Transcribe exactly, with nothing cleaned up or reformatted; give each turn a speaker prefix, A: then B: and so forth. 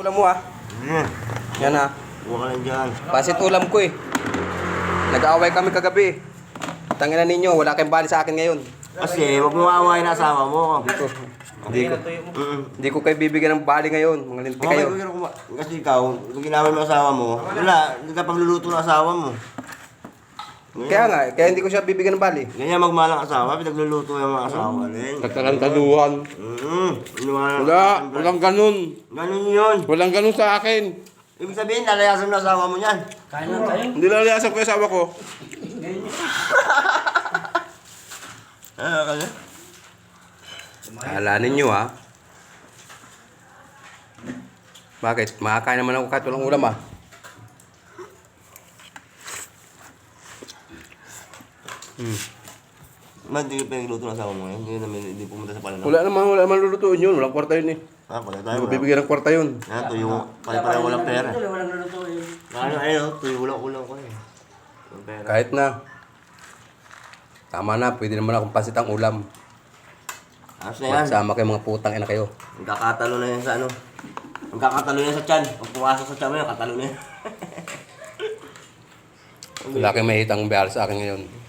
A: Ulam mo ah.
B: Hmm.
A: Yan ah.
B: Huwag ka lang dyan.
A: Pasit ulam ko eh. Nag-aaway kami kagabi. Tangina ninyo, wala kayong bali sa akin ngayon.
B: Kasi huwag mo aawayin na asawa mo.
A: Hindi ko. Hindi ko.
B: Mm.
A: Hindi ko kayo bibigyan ng bali ngayon. Mga linti
B: Okay,
A: kayo.
B: okay, kasi ikaw, kung ginawin mo asawa mo, wala, hindi ka pagluluto ng asawa mo.
A: Kaya nga, kaya hindi ko siya bibigyan ng bali.
B: Ganyan magmahal ang asawa, pinagluluto yung mga asawa.
C: Nagtarantaduhan.
B: Mm.
C: Wala, walang ganun.
B: Ganun yun.
C: Walang ganun sa akin.
B: Ibig sabihin, lalayasan mo na asawa mo niyan.
D: Kain lang tayo.
C: Hindi lalayasan ko yung asawa ko.
B: Ah, kaya?
A: Kala ninyo ah. Bakit? Makakain naman ako kahit walang ulam ah. Hmm.
B: Man, hindi ko pinagluto ng asawa mo ngayon. Hindi namin, hindi pumunta sa palanong.
C: Wala naman, wala naman lulutuin yun. Walang kwarta yun eh.
B: Ah, pala
A: Hindi
B: tayo.
A: ko bibigyan ng kwarta yun.
B: Ah, tuyo. Pala-pala walang pera.
D: Walang lulutuin.
B: Ano, ayun, tuyo ulang-ulang ko eh. Walang pera.
A: Kahit na. Tama na, pwede naman akong pasit ang ulam.
B: Ayos na yan.
A: Magsama kayo mga putang ina kayo.
B: Magkakatalo na yan sa ano. Magkakatalo na yan sa tiyan. Pag pumasok sa tiyan mo yan, katalo na yan.
A: Wala kayong mahitang bayar sa akin ngayon.